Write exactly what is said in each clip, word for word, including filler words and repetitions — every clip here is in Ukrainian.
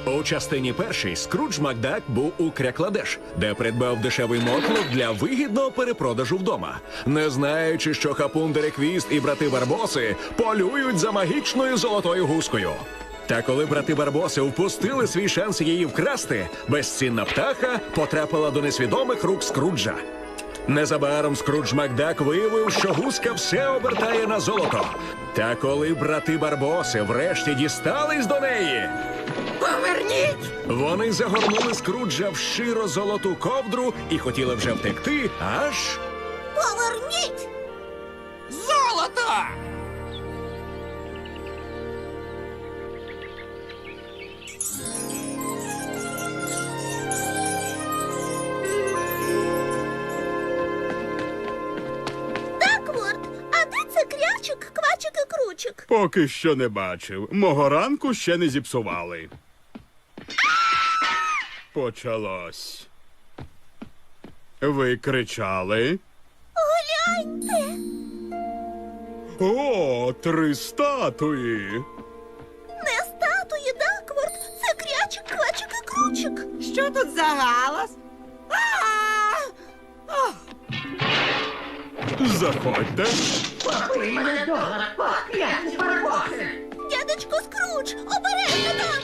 У частині першій Скрудж Макдак був у Крякладеш, де придбав дешевий мотлох для вигідного перепродажу вдома, не знаючи, що Хапун Дереквіст і брати Барбоси полюють за магічною золотою гускою. Та коли брати Барбоси впустили свій шанс її вкрасти, безцінна птаха потрапила до несвідомих рук Скруджа. Незабаром Скрудж Макдак виявив, що гуска все обертає на золото. Та коли брати Барбоси врешті дістались до неї, Поверніть! вони загорнули Скруджа в широ золоту ковдру і хотіли вже втекти, аж... Поверніть! Золото! Дакворд, а де це крячик, квачик і кручик? Поки що не бачив. Мого ранку ще не зіпсували. Почалось. Ви кричали? Гляньте! О, три статуї! Не статуї, Дакворд, це крячик, квачик і кручик. Що тут за галас? Заходьте. Попий мене долар, покляті барбоси! Дядечко Скрудж, обережно там!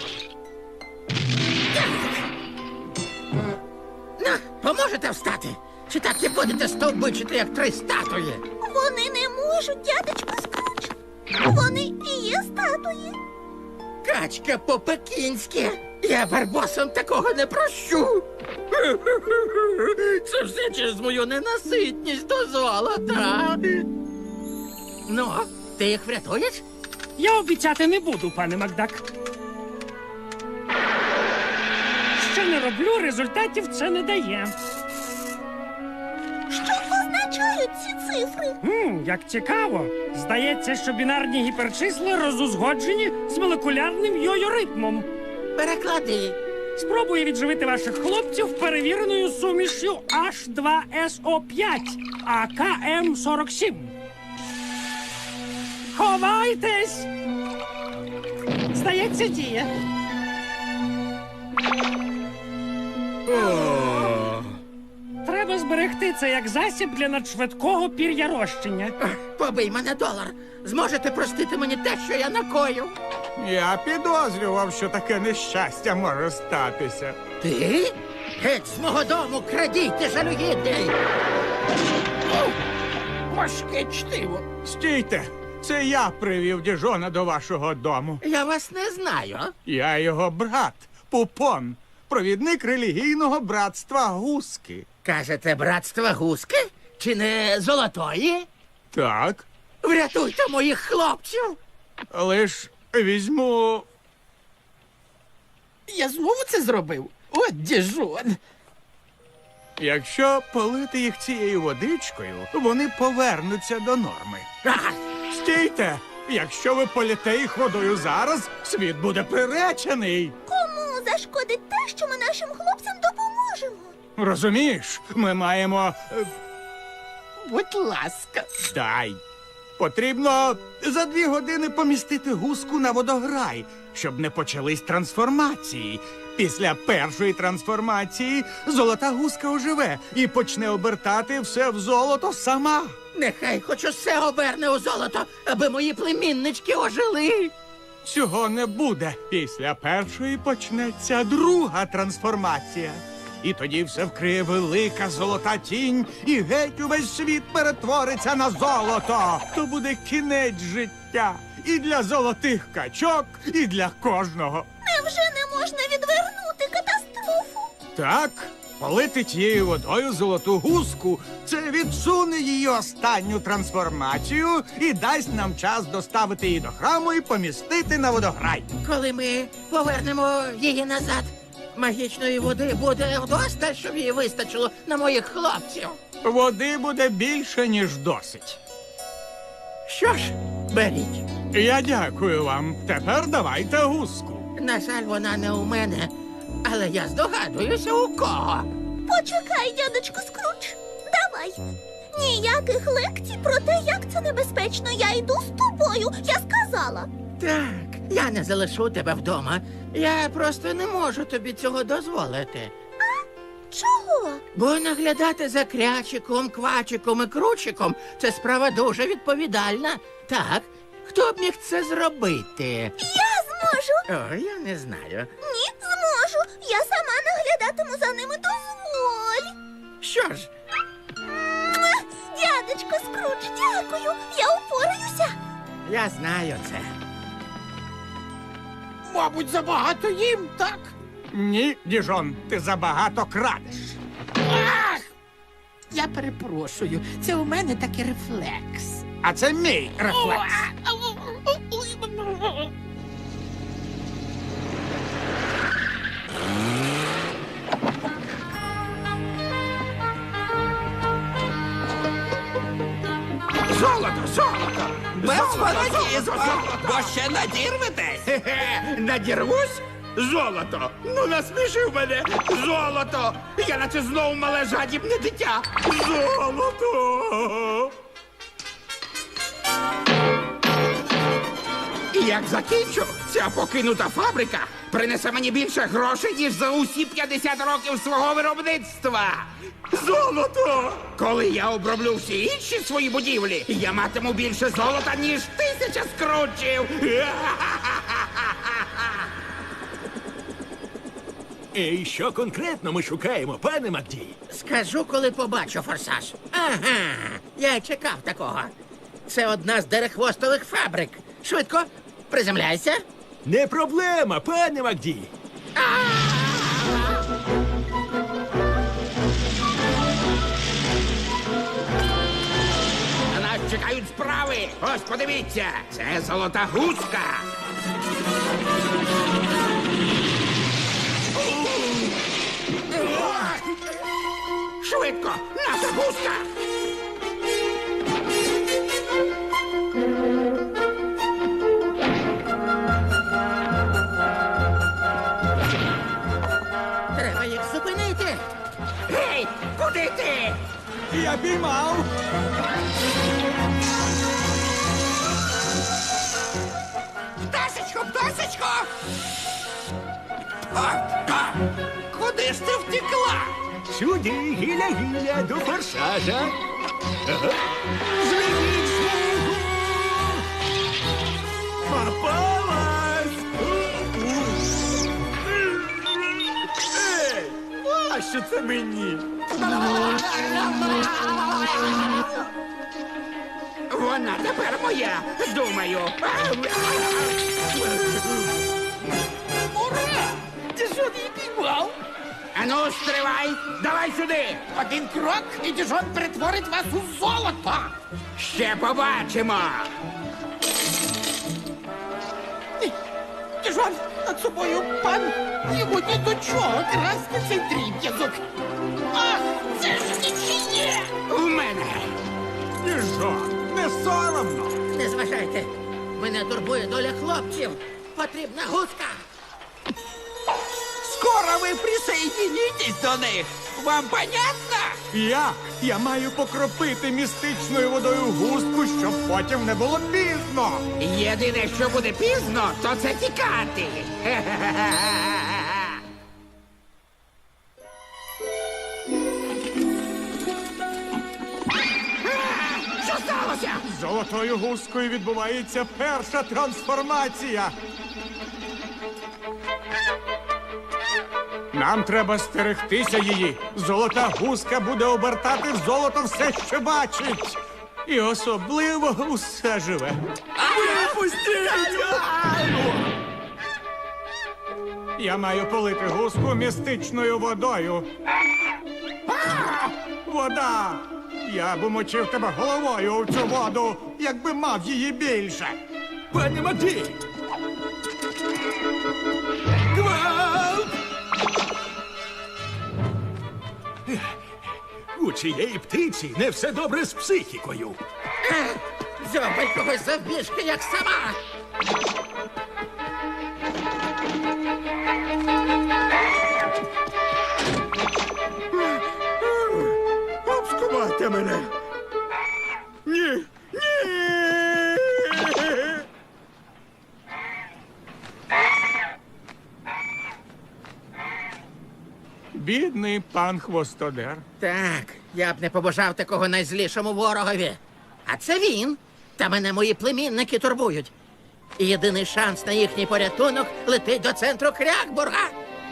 На, поможете встати? Чи так і будете стовбичити, як три статуї? Вони не можуть, дядечко Скрудж. Вони і є статуї. Качка по-пекінськи. Я барбосам такого не прощу. Це все через мою ненаситність до золота. Ну, ти їх врятуєш? Я обіцяти не буду, пане Макдак. Що не роблю, результатів це не дає. Що означають ці цифри? Хм, як цікаво. Здається, що бінарні гіперчисла розузгоджені з молекулярним йо-йо-ритмом. Переклади. Спробую відживити ваших хлопців перевіреною сумішю аш два ес о п'ять, а ка ем сорок сім. Ховайтесь! Здається, діє. О, Треба зберегти це як засіб для надшвидкого пір'ярощення. Побий мене долар. Зможете простити мені те, що я накою? Я підозрював, що таке нещастя може статися. Ти? Геть з мого дому, крадійте, жалюгідний! Важке чтиво. Стійте! Це я привів діжона до вашого дому. Я вас не знаю. Я його брат, Пупон, провідник релігійного братства Гуски. Кажете, братство гуски? Чи не золотої? Так, Врятуйте моїх хлопців! лиш візьму. Я знову це зробив? От діжон! Якщо полити їх цією водичкою, вони повернуться до норми. Ага. Стійте! Якщо ви політе їх водою зараз, світ буде приречений. Кому зашкодить те, що ми нашим хлопцям допоможемо? Розумієш, ми маємо. е, Будь ласка. Дай. Потрібно за дві години помістити гуску на водограй, щоб не почались трансформації. Після першої трансформації золота гуска оживе і почне обертати все в золото сама. Нехай хоч усе оберне у золото, аби мої племіннички ожили. Цього не буде. Після першої почнеться друга трансформація. І тоді все вкриє велика золота тінь, і геть увесь світ перетвориться на золото. То буде кінець життя і для золотих качок, і для кожного. Невже не можна відвернути катастрофу? Так, полити тією водою золоту гуску – це відсуне її останню трансформацію і дасть нам час доставити її до храму і помістити на водограй. Коли ми повернемо її назад, магічної води буде вдосталь, щоб її вистачило на моїх хлопців. Води буде більше, ніж досить. Що ж, беріть. Я дякую вам. Тепер давайте гуску. На жаль, вона не у мене, але я здогадуюся, у кого. Почекай, дядечко Скрудж. Давай. Ніяких лекцій про те, як це небезпечно. Я йду з тобою, я сказала. Так, Я не залишу тебе вдома. Я просто не можу тобі цього дозволити. Чого? Бо наглядати за крячиком, квачиком і кручиком це справа дуже відповідальна. Так, хто б міг це зробити? Я зможу. О, я не знаю. Ні, зможу. Я сама наглядатиму за ними, дозволь. Що ж, Муа! Дядечко Скрудж, дякую. Я упораюся. я знаю це. Мабуть, забагато їм, так? Ні, Діжон, ти забагато крадеш. Ах! Я перепрошую, це у мене такий рефлекс. А це мій рефлекс. Золото, золото! Без фанатізму, бо ще надірветесь. Хе-хе, надірвусь? Золото! Ну насмішив мене! Золото! Я наче знову мале жадібне дитя! Золото! І як закінчу, ця покинута фабрика принесе мені більше грошей, ніж за усі п'ятдесят років свого виробництва. Золото! Коли я оброблю всі інші свої будівлі, я матиму більше золота, ніж тисяча скрутчів. І що конкретно ми шукаємо, пане Макді? Скажу, коли побачу форсаж. Ага, я й чекав такого. Це одна з дерехвостових фабрик. Швидко, приземляйся. Не проблема, пане Макді. На нас чекають справи. Ось подивіться, це золота гуска. Швидко, наша гуска. Треба їх зупинити. Гей, куди ти? Я піймав. Пташечко, пташечко! А, а, куди ж ти втекла? Сюди, гіля-гіля, до форсажа. Ага. Зведіть смугу! Попалась! Ей, а що це мені? Вона тепер моя, думаю. Ура! Ти що її піймав? Ану, стривай, давай сюди. Один крок, і Діжон перетворить вас у золото. Ще побачимо. Діжон, над собою пан. Йому ні до чого красти цей дріб'язок. Ах, це ж нічиє! В мене. Діжон, не соромно. Не зважайте. Мене турбує доля хлопців. Потрібна гуска. Скоро ви присоединитесь до них. Вам понятно? Я, я маю покропити містичною водою густку, щоб потім не було пізно. Єдине, що буде пізно, то це тікати. Що сталося? З золотою гускою відбувається перша трансформація. Нам треба стерегтися її. Золота гуска буде обертати в золото все, що бачить. І особливо усе живе. Я маю полити гуску містичною водою. А! Вода! Я б умочив тебе головою у цю воду, якби мав її більше. Пане Макді! Гвалт! У цієї птиці не все добре з психікою. Дзьобай когось завбільшки, як сама. Обскувайте мене. Ні, ні. Бідний пан Хвостодер. Так, я б не побажав такого найзлішому ворогові. А це він. Та мене мої племінники турбують. І єдиний шанс на їхній порятунок летить до центру Крякбурга.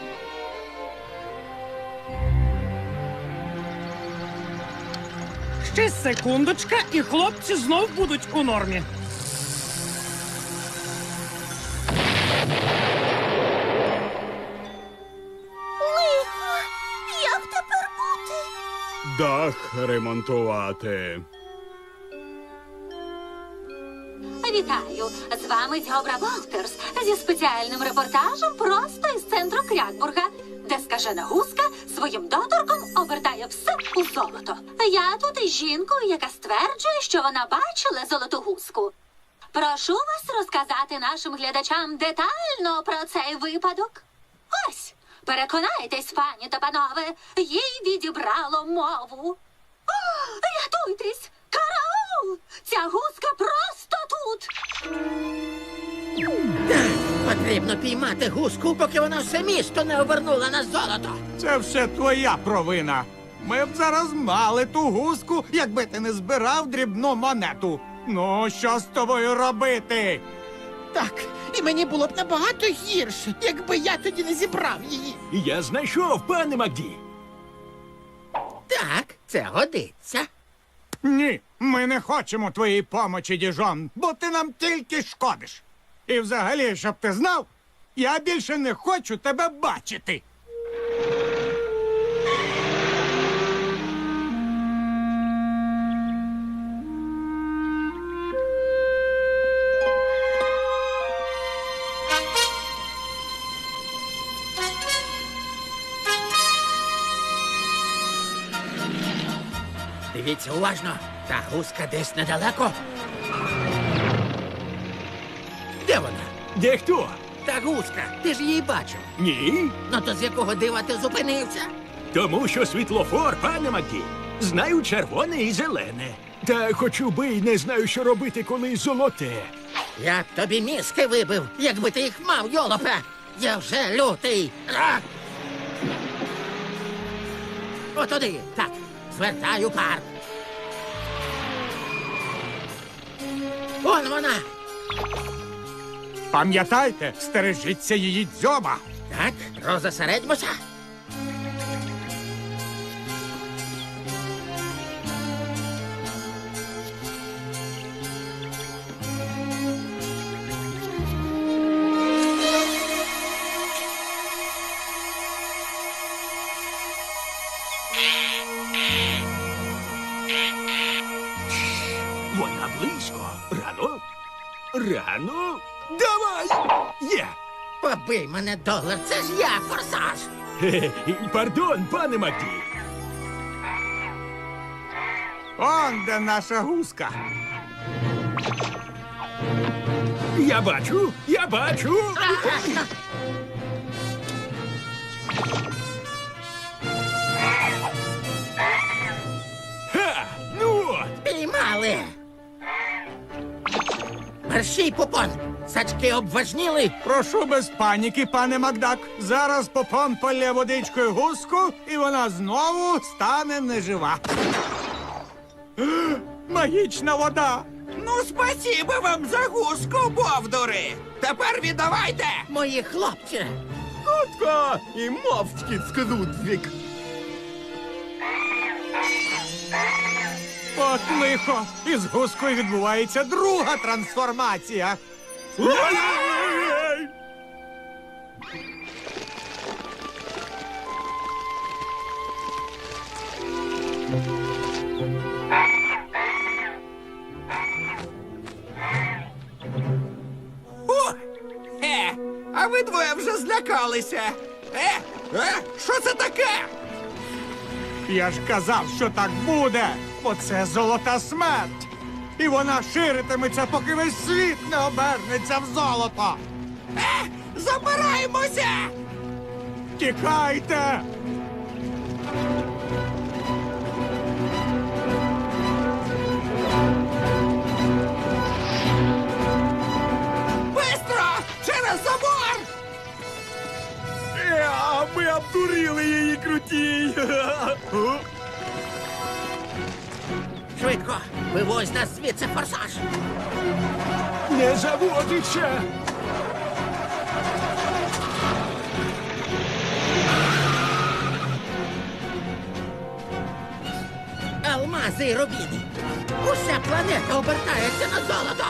Ще секундочка, і хлопці знов будуть у нормі. Лихо! Як тепер бути? Дах ремонтувати. Вітаю! З вами Дьобра Волтерс зі спеціальним репортажем просто із центру Крякбурга, де скажена гуска своїм доторком обертає все у золото. Я тут із жінкою, яка стверджує, що вона бачила золоту гуску. Прошу вас розказати нашим глядачам детально про цей випадок. Ось, переконайтесь, пані та панове, їй відібрало мову. О, рятуйтесь! Караул! Ця гуска просто тут! Потрібно піймати гуску, поки вона все місто не обернула на золото. Це все твоя провина. Ми б зараз мали ту гуску, якби ти не збирав дрібну монету. Ну, що з тобою робити? Так, і мені було б набагато гірше, якби я тоді не зібрав її. Я знайшов, пане Макді. Так, це годиться. Ні, ми не хочемо твоєї помочі, діжон, бо ти нам тільки шкодиш. І взагалі, щоб ти знав, я більше не хочу тебе бачити. Дивіться уважно, та гуска десь недалеко. Де вона? Де хто? Та гуска, ти ж її бачив. Ні. Ну то з якого дива ти зупинився? Тому що світлофор, пане Макді. Знаю червоне і зелене. Та хочу би й не знаю, що робити, коли золоте. Я б тобі мізки вибив, якби ти їх мав, йолопе. Я вже лютий. А! Отуди, так, звертаю парк. Он вона. Пам'ятайте, стережіться її дзьоба. Так, розосередьмося. Вона близько. Рано? Рано? Давай! Є! Побий мене, долар, це ж я, форсаж. Хе-хе. Пардон, пане Макді. Он де наша гуска. Я бачу, я бачу. Ха! Ну от! Піймали. Мерщій, Попон. Сачки обважніли. Прошу без паніки, пане Макдак. Зараз Попон полє водичкою гуску, і вона знову стане нежива. Магічна вода. Ну, спасибо вам за гуску, бовдури! Тепер віддавайте! Мої хлопці. Хутко! І мовчки скрудвік. От лихо. Із гускою відбувається друга трансформація. Ой-ой-ой! О! Е, а ви двоє вже злякалися. Е, е, що це таке? Я ж казав, що так буде, бо це золота смерть. І вона ширитиметься, поки весь світ не обернеться в золото. Е, забираємося! Тікайте! Бистро! Через забор! А ми Ви обдурили її, крутій! Швидко, вивозь нас звідси, форсаж. Не заводиться! Алмази і рубіни. Уся планета обертається на золото.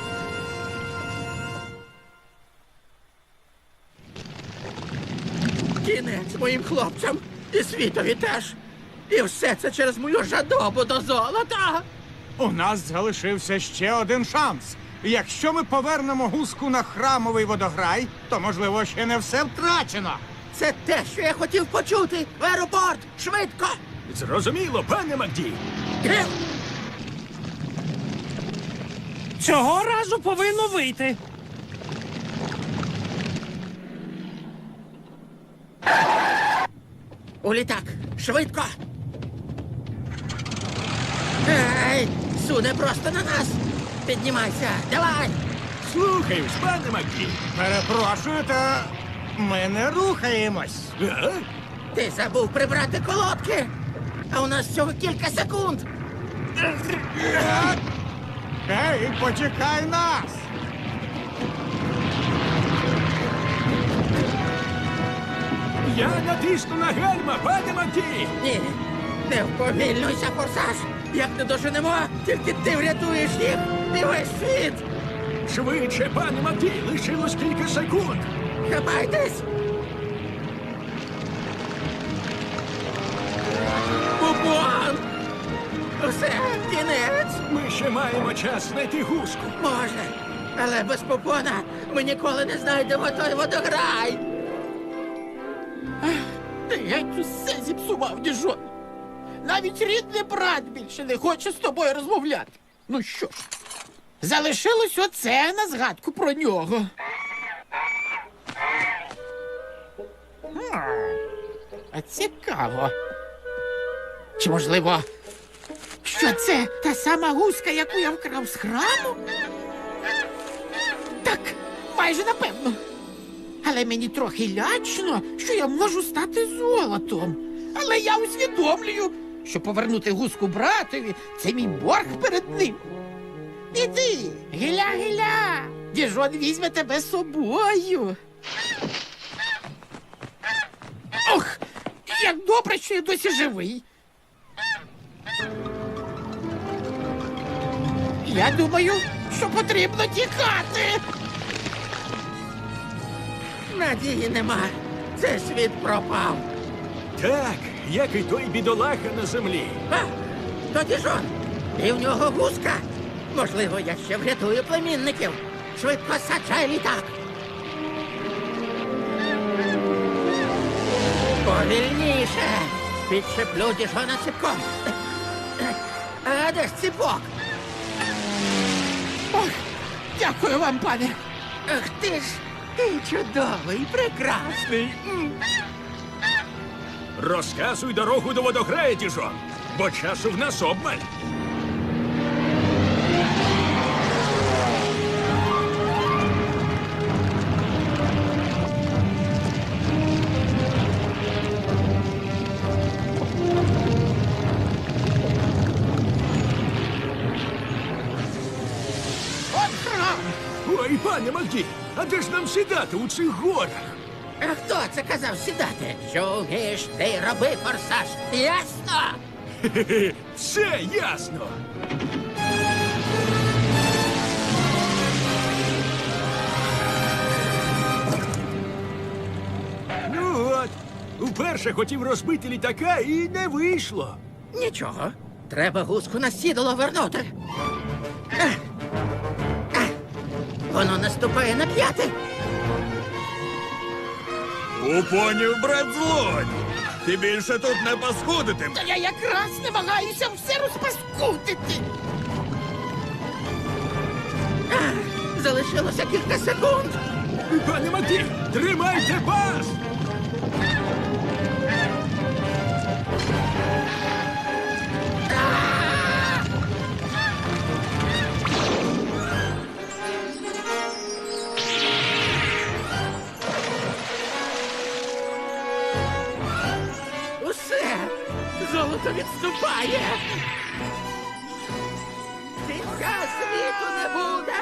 Кінець моїм хлопцям і світові теж. І все це через мою жадобу до золота. У нас залишився ще один шанс. Якщо ми повернемо гуску на храмовий водограй, то, можливо, ще не все втрачено. Це те, що я хотів почути. В аеропорт! Швидко! Зрозуміло, пане Макді. Гм! Цього разу повинно вийти. У літак! Швидко! Ей! Суне просто на нас! Піднімайся! Давай! Слухаюсь, пане Макді. Перепрошую, та ми не рухаємось. А? Ти забув прибрати колодки! А у нас всього кілька секунд! Ей, почекай нас! Я натисну на гальма, пане Макді. Ні! Не вповільнуйся, форсаж! Як не доженемо, тільки ти врятуєш їх і весь світ! Швидше, пане Макді, лишилось кілька секунд. Хапайтесь! Бубон! Усе, кінець! Ми ще маємо час знайти гуску. Може, але без попона ми ніколи не знайдемо той водограй! Ти геть усе зіпсував, діжон. Навіть рідний брат більше не хоче з тобою розмовляти. Ну що ж, залишилось оце на згадку про нього. Хм, А цікаво. Чи, можливо, що це та сама гуска, яку я вкрав з храму? Так, майже напевно. Але мені трохи лячно, що я можу стати золотом. Але я усвідомлюю, що повернути гуску братові – це мій борг перед ним. Іди, гиля-гиля, діжон візьме тебе з собою. Ох, як добре, що я досі живий. Я думаю, що потрібно тікати. Надії нема. Цей світ пропав. Так, як і той бідолаха на землі. А, тоді жон. І в нього гуска. Можливо, я ще врятую племінників. Швидко саджай літак. Повільніше. Підшиплю діжона ціпком. А де ж ціпок? Ох, дякую вам, пане. Ах ти ж, ти чудовий, прекрасний. М. Розказуй дорогу до водограю, діжон, бо часу в нас обмаль. От храм. Ой, пане Макді, а де ж нам сідати у цих горах? А хто це казав сідати? Що вмієш, ти й роби, форсаж. Ясно? Хе-хе, все ясно. Ну от, вперше хотів розбити літака і не вийшло. Нічого. Треба гуску на сідало вернути. Ех. Ех. Воно наступає на п'яти. Упонів, брат злодь! Ти більше тут не паскудитим. Та я якраз намагаюся все розпаскудити. Ах, залишилося кілька секунд. Пане Макді, тримайте пас! відступає. Кінця світу не буде.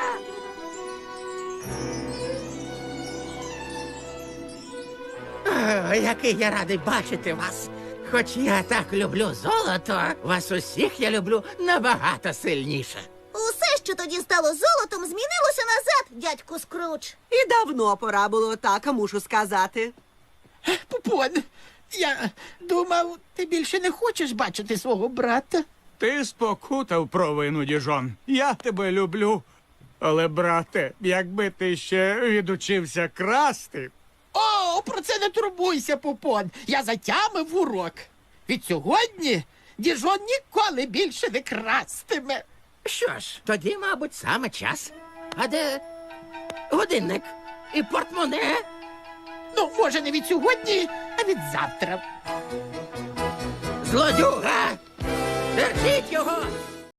О, який я радий бачити вас. Хоч я так люблю золото, вас усіх я люблю набагато сильніше. Усе, що тоді стало золотом, змінилося назад, дядьку Скрудж. І давно пора було так, а мушу сказати. Пупон, я думав, ти більше не хочеш бачити свого брата. Ти спокутав провину, діжон. Я тебе люблю. Але, брате, якби ти ще відучився красти. О, про це не турбуйся, Пупон. Я затямив урок. Від сьогодні Діжон ніколи більше не крастиме. Що ж, тоді, мабуть, саме час. А де годинник і портмоне? Ну, може, не від сьогодні, а від завтра. Злодюга! Держіть його!